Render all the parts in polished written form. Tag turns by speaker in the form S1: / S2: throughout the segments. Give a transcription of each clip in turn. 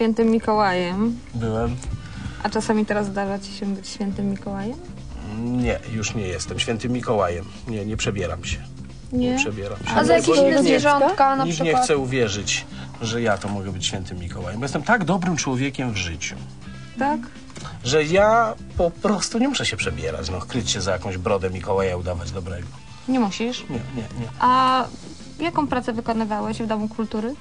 S1: świętym Mikołajem.
S2: Byłem.
S1: A czasami teraz zdarza ci się być świętym Mikołajem?
S2: Nie, już nie jestem świętym Mikołajem. Nie przebieram się. Nie przebieram się.
S3: A za jakieś inne zwierzątka na
S2: Nikt
S3: przykład?
S2: nie chce uwierzyć, że ja to mogę być świętym Mikołajem. Bo jestem tak dobrym człowiekiem w życiu,
S1: Tak?
S2: że ja po prostu nie muszę się przebierać, no, kryć się za jakąś brodę Mikołaja, udawać dobrego.
S1: Nie musisz.
S2: Nie.
S1: A jaką pracę wykonywałeś w Domu Kultury?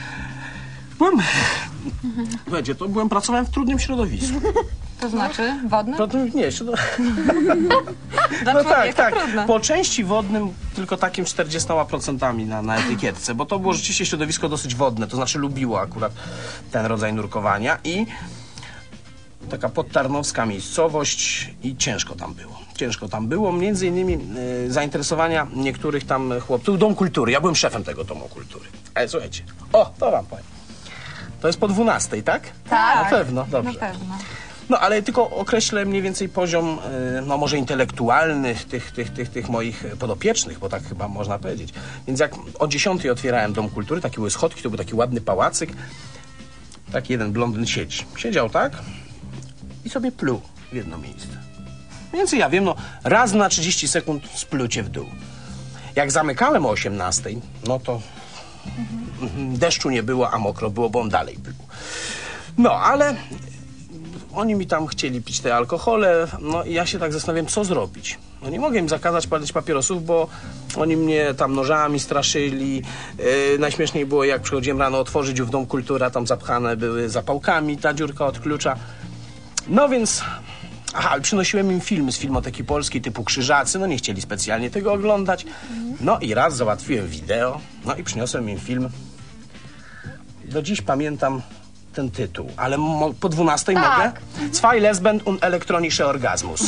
S2: Pracowałem w trudnym środowisku.
S1: To znaczy wodnym?
S2: Nie,
S1: Dla
S2: no
S1: człowieka
S2: tak.
S1: trudne.
S2: Po części wodnym, tylko takim 40% na etykietce, bo to było rzeczywiście środowisko dosyć wodne, to znaczy lubiło akurat ten rodzaj nurkowania i taka podtarnowska miejscowość i ciężko tam było. Między innymi zainteresowania niektórych tam chłopców. Dom Kultury, ja byłem szefem tego Domu Kultury. Ale słuchajcie, to wam powiem. To jest po 12, tak?
S1: Tak.
S2: Na pewno, dobrze.
S1: Na pewno.
S2: No, ale tylko określę mniej więcej poziom, no może intelektualny tych moich podopiecznych, bo tak chyba można powiedzieć. Więc jak o 10 otwierałem Dom Kultury, takie były schodki, to był taki ładny pałacyk. Taki jeden blondyn siedział tak i sobie pluł w jedno miejsce. Mniej więcej ja wiem, no raz na 30 sekund splucie w dół. Jak zamykałem o 18, no to deszczu nie było, a mokro było, bo on dalej pluł. No, ale oni mi tam chcieli pić te alkohole, no i ja się tak zastanawiam, co zrobić. No nie mogę im zakazać palić papierosów, bo oni mnie tam nożami straszyli. Najśmieszniej było, jak przychodziłem rano otworzyć w Dom Kultury, a tam zapchane były zapałkami, ta dziurka od klucza. No więc... ale przynosiłem im filmy z Filmoteki Polskiej typu Krzyżacy, no nie chcieli specjalnie tego oglądać. No i raz załatwiłem wideo, no i przyniosłem im film. Do dziś pamiętam ten tytuł, ale po 12 mogę? Zwei Lesben und elektronische Orgasmus.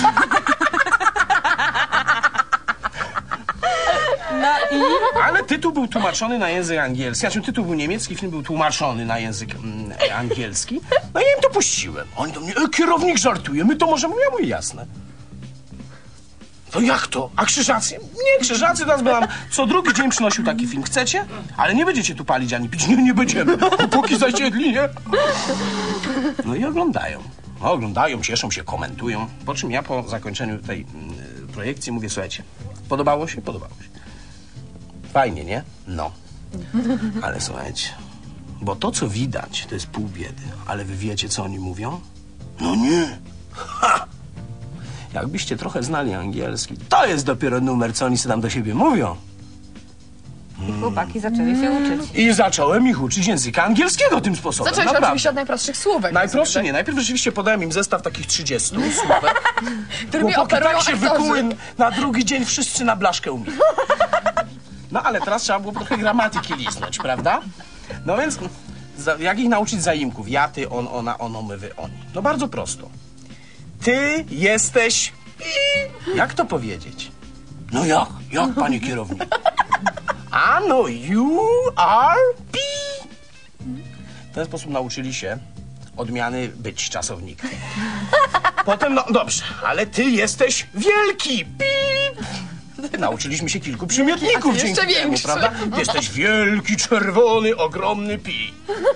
S1: No i?
S2: Ale tytuł był tłumaczony na język angielski. Znaczy tytuł był niemiecki, film był tłumaczony na język angielski. No i ja im to puściłem. Oni do mnie, kierownik żartuje, my to możemy. Ja mówię, jasne. To jak to? A Krzyżacy? Nie, Krzyżacy nas by nam co drugi dzień przynosił taki film. Chcecie? Ale nie będziecie tu palić ani pić. Nie będziemy. Póki zasiedli, nie? No i oglądają. No, oglądają, cieszą się, komentują. Po czym ja po zakończeniu tej projekcji mówię, słuchajcie, podobało się? Podobało się. Fajnie, nie? No. Ale słuchajcie, bo to, co widać, to jest pół biedy. Ale wy wiecie, co oni mówią? No nie. Ha! Jakbyście trochę znali angielski, to jest dopiero numer, co oni sobie tam do siebie mówią.
S1: I chłopaki zaczęli się uczyć.
S2: I zacząłem ich uczyć języka angielskiego tym sposobem.
S3: Zacząłeś oczywiście od najprostszych słówek.
S2: Najprostsze nie. Najpierw rzeczywiście podałem im zestaw takich 30 słówek.
S3: Którymi
S2: Chłopaki
S3: operują
S2: tak się
S3: aktorzy.
S2: wykuły, na drugi dzień wszyscy na blaszkę umili. No ale teraz trzeba było trochę gramatyki liznąć, prawda? No więc jak ich nauczyć zaimków? Ja, ty, on, ona, ono, my, wy, oni. No bardzo prosto. Ty jesteś... Jak to powiedzieć? No jak? Jak, panie kierownik? A no, you are P. W ten sposób nauczyli się odmiany być czasownika. Potem, no dobrze, ale ty jesteś wielki. Pip. Nauczyliśmy się kilku przymiotników
S3: jeszcze
S2: dzięki temu,
S3: większy.
S2: prawda? Ty jesteś wielki, czerwony, ogromny pi.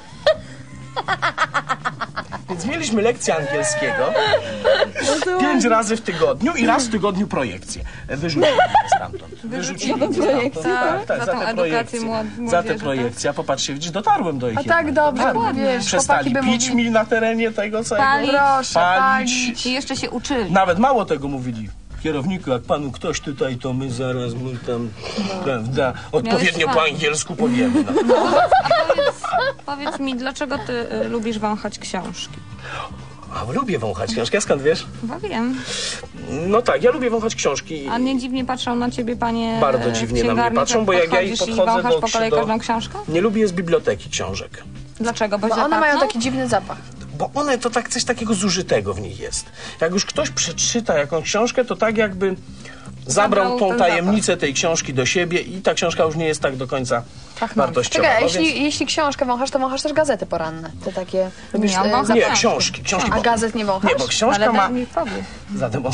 S2: Więc mieliśmy lekcję angielskiego 5 razy w tygodniu i raz w tygodniu projekcję. Wyrzucili mnie stamtąd. Wyrzucili mnie stamtąd. Tak,
S1: za tą edukację młodzieży,
S2: za te projekcje. A popatrzcie, widzisz, dotarłem do ich.
S3: A tak dobrze, wiesz,
S2: Przestali
S3: chłopaki by
S2: pić
S3: mówili.
S2: mi na terenie tego całego.
S3: Proszę, palić.
S1: I jeszcze się uczyli.
S2: Nawet mało tego mówili. Kierowniku, jak panu ktoś tutaj, to my zaraz mu tam, prawda, odpowiednio po angielsku powiemy. No.
S1: Powiedz mi, dlaczego ty lubisz wąchać książki?
S2: A lubię wąchać książki, a skąd wiesz?
S1: Chyba wiem.
S2: No tak, ja lubię wąchać książki.
S1: A nie dziwnie patrzą na ciebie panie
S2: Bardzo dziwnie na mnie patrzą, bo jak ja ich podchodzę
S1: i wąchasz
S2: do...
S1: po kolei każdą książkę?
S2: Nie lubię z biblioteki książek.
S1: Dlaczego? Bo
S3: Bo
S1: źle
S3: one mają
S1: pachną?
S3: taki dziwny zapach.
S2: Bo one to tak coś takiego zużytego w nich jest. Jak już ktoś przeczyta jakąś książkę, to tak jakby zabrał tą
S1: ten
S2: tajemnicę tej książki do siebie i ta książka już nie jest tak do końca wartościowa.
S3: Czekaj, a
S2: No więc...
S3: jeśli książkę wąchasz, to wąchasz też gazety poranne. Te takie... Lubisz,
S1: on wącha
S2: Nie,
S1: książki.
S2: książki.
S3: A gazet nie wąchasz?
S2: Nie, bo książka
S1: Ale
S2: ma...
S1: daj mi powiedz.
S2: Zademonstruję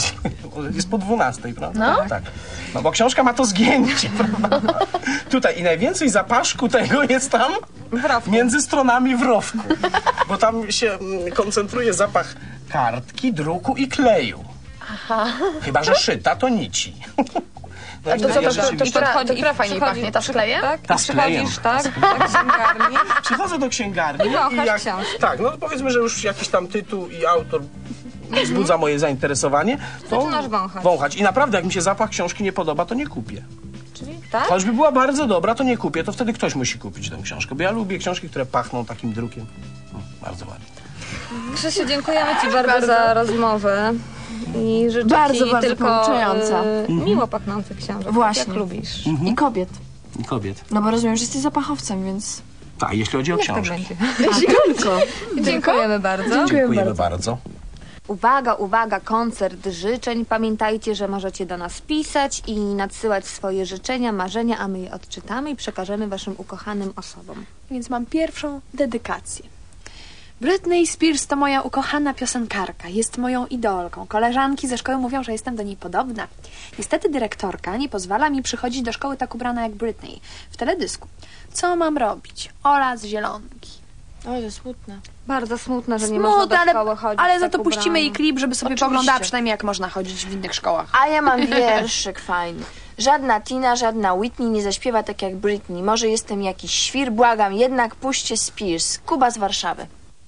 S2: jest po 12, prawda? No. Tak. No bo książka ma to zgięcie, prawda? Tutaj i najwięcej zapaszku tego jest tam między stronami w rowku. Bo tam się koncentruje zapach kartki, druku i kleju. Aha. Chyba że szyta, to nici. No
S3: A to co,
S2: rzeczywiście-
S3: to która fajniej pachnie? Ta z klejem?
S1: Tak?
S2: Ta z klejem.
S1: Przychodzisz, tak? Do księgarni.
S2: Przychodzę do księgarni
S1: I wąchasz
S2: i jak,
S1: książkę.
S2: tak, no powiedzmy, że już jakiś tam tytuł i autor wzbudza moje zainteresowanie, to
S1: Zaczynasz wąchać.
S2: wąchać. I naprawdę, jak mi się zapach książki nie podoba, to nie kupię.
S1: Czyli tak?
S2: Choćby była bardzo dobra, to nie kupię, to wtedy ktoś musi kupić tę książkę, bo ja lubię książki, które pachną takim drukiem. Bardzo ładnie.
S1: Krzysiu, dziękujemy Ci bardzo za rozmowę. I życzę
S4: Bardzo,
S1: Ci
S4: bardzo
S1: tylko
S4: pouczająca.
S1: miło pachnących książek,
S4: Właśnie.
S1: jak lubisz.
S4: I kobiet.
S2: I kobiet.
S4: No bo rozumiem, że jesteś zapachowcem, więc...
S2: Tak, jeśli chodzi o
S1: Niech tak
S2: książki.
S1: będzie.
S4: Tylko.
S1: Dziękujemy bardzo.
S2: Dziękujemy bardzo.
S1: Uwaga, uwaga, koncert życzeń. Pamiętajcie, że możecie do nas pisać i nadsyłać swoje życzenia, marzenia, a my je odczytamy i przekażemy Waszym ukochanym osobom.
S5: Więc mam pierwszą dedykację. Britney Spears to moja ukochana piosenkarka, jest moją idolką. Koleżanki ze szkoły mówią, że jestem do niej podobna. Niestety dyrektorka nie pozwala mi przychodzić do szkoły tak ubrana jak Britney. W teledysku. Co mam robić? Ola z Zielonki.
S4: O, to smutne.
S1: Bardzo smutne, że nie można do
S5: Smutne,
S1: szkoły chodzić
S5: ale
S1: tak
S5: za to puścimy
S1: ubrana.
S5: jej klip, żeby sobie
S4: Oczywiście.
S5: poglądała przynajmniej jak można chodzić w innych szkołach.
S4: A ja mam wierszyk fajny. Żadna Tina, żadna Whitney nie zaśpiewa tak jak Britney. Może jestem jakiś świr, błagam, jednak puśćcie Spears. Kuba z Warszawy.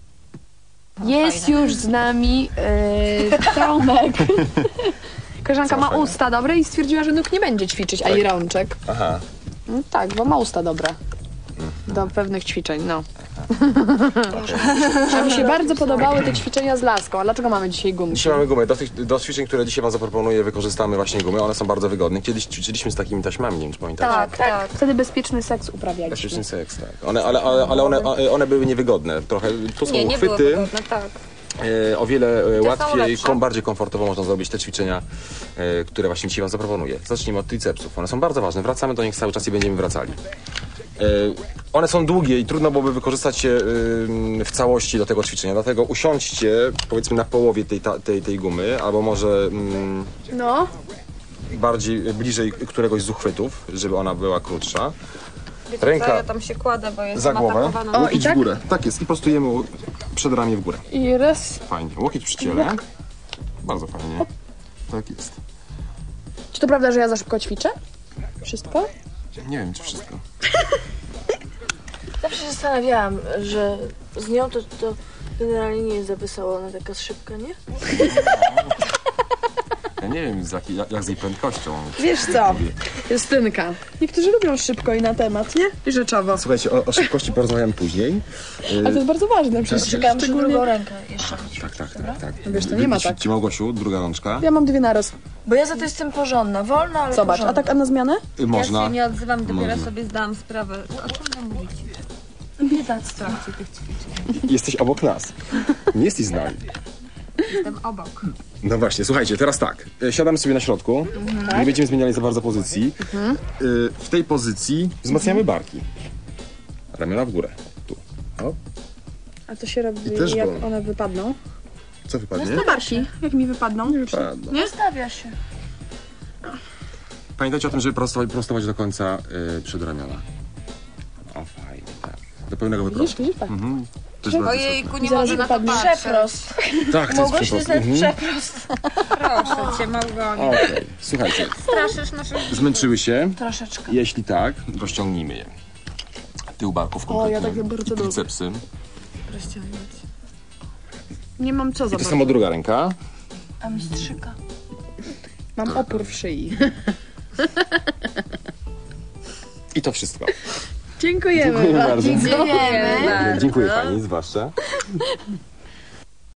S5: Jest już z nami Tomek. Koleżanka ma usta dobre i stwierdziła, że nóg nie będzie ćwiczyć, a i rączek.
S2: Aha.
S5: No tak, bo ma usta dobre. Do pewnych ćwiczeń, no. A mi się bardzo podobały te ćwiczenia z laską. A dlaczego mamy dzisiaj gumki?
S6: Dzisiaj mamy gumę. Do ćwiczeń, które dzisiaj wam zaproponuję, wykorzystamy właśnie gumy. One są bardzo wygodne. Kiedyś ćwiczyliśmy z takimi taśmami, nie wiem czy pamiętacie.
S1: Tak.
S5: Wtedy bezpieczny seks uprawialiśmy.
S6: Bezpieczny seks, tak. Ale one były niewygodne. Trochę tu są
S1: Nie było
S6: uchwyty.
S1: wygodne, tak.
S6: O wiele łatwiej,
S1: lepsze.
S6: bardziej komfortowo można zrobić te ćwiczenia, które właśnie dzisiaj wam zaproponuję. Zacznijmy od tricepsów. One są bardzo ważne. Wracamy do nich cały czas i będziemy wracali. One są długie i trudno byłoby wykorzystać je w całości do tego ćwiczenia. Dlatego usiądźcie, powiedzmy, na połowie tej gumy, albo może
S5: No.
S6: bardziej bliżej któregoś z uchwytów, żeby ona była krótsza.
S1: Wiecie
S6: Ręka
S1: co, ja tam się kładę, bo jestem
S6: za głowę,
S1: atakowana.
S6: łokieć w górę. Tak jest. I prostujemy przedramię w górę.
S5: I raz.
S6: Fajnie. Łokieć przy ciele. Bardzo fajnie. Tak jest.
S5: Czy to prawda, że ja za szybko ćwiczę? Wszystko?
S6: Nie wiem, czy wszystko.
S4: Zawsze się zastanawiałam, że z nią to generalnie nie jest za wesoło, ona taka szybka, nie?
S6: Ja nie wiem, jak z jej prędkością.
S5: Wiesz co, Justynka. Niektórzy lubią szybko i na temat, nie? I rzeczowo.
S6: Słuchajcie, o szybkości porozmawiamy później.
S5: Ale to jest bardzo ważne przecież.
S4: Czekałam, że drugą rękę jeszcze.
S6: Tak.
S5: Wiesz, to nie ma tak.
S6: Ci Małgosiu, druga rączka.
S5: Ja mam dwie naraz.
S4: Bo ja za to jestem porządna, wolna, ale
S5: Zobacz, a
S4: porządna.
S5: tak a na zmianę?
S6: Można.
S1: Ja się nie odzywam, dopiero
S6: Można.
S1: sobie zdałam sprawę. O czym wy mówicie?
S4: Biedactwo.
S6: Jesteś obok nas. Nie jesteś z nami.
S1: Jestem obok.
S6: No właśnie, słuchajcie, teraz tak. Siadamy sobie na środku. Nie będziemy zmieniali za bardzo pozycji. W tej pozycji wzmacniamy barki. Ramiona w górę. Tu. O,
S5: A to się robi,
S6: I też
S5: jak
S6: wolno.
S5: one wypadną.
S6: co wypadnie?
S5: Barki, jak mi wypadną.
S6: Wypadnie.
S4: Stawia się.
S6: Pamiętajcie o tym, żeby prostować do końca przedramiona. O, fajnie, tak. Do pełnego wyprostu.
S5: Widzisz, tak.
S6: To jest bardzo
S1: Ojejku, nie
S5: Zaraz
S1: mogę na to
S5: wypadnie.
S1: patrzeć.
S4: Przeprost.
S6: istotne. Tak, to jest
S4: Mogłeś
S6: przeprost.
S4: jest przeprost.
S1: Proszę cię, Małgoniu.
S6: Okej, słuchajcie.
S1: Straszysz naszych...
S6: Zmęczyły się?
S4: Troszeczkę.
S6: Jeśli tak, rozciągnijmy je. Tył barków kompletnie.
S5: ja takie bardzo lubię.
S6: Tricepsy.
S5: Nie mam co
S6: I to
S5: zobaczyć.
S6: samo druga ręka.
S4: A mistrzyka.
S5: Mam opór w szyi.
S6: I to wszystko.
S5: Dziękujemy.
S6: Dziękuję bardzo.
S4: Dziękujemy.
S6: Dziękuję pani, zwłaszcza.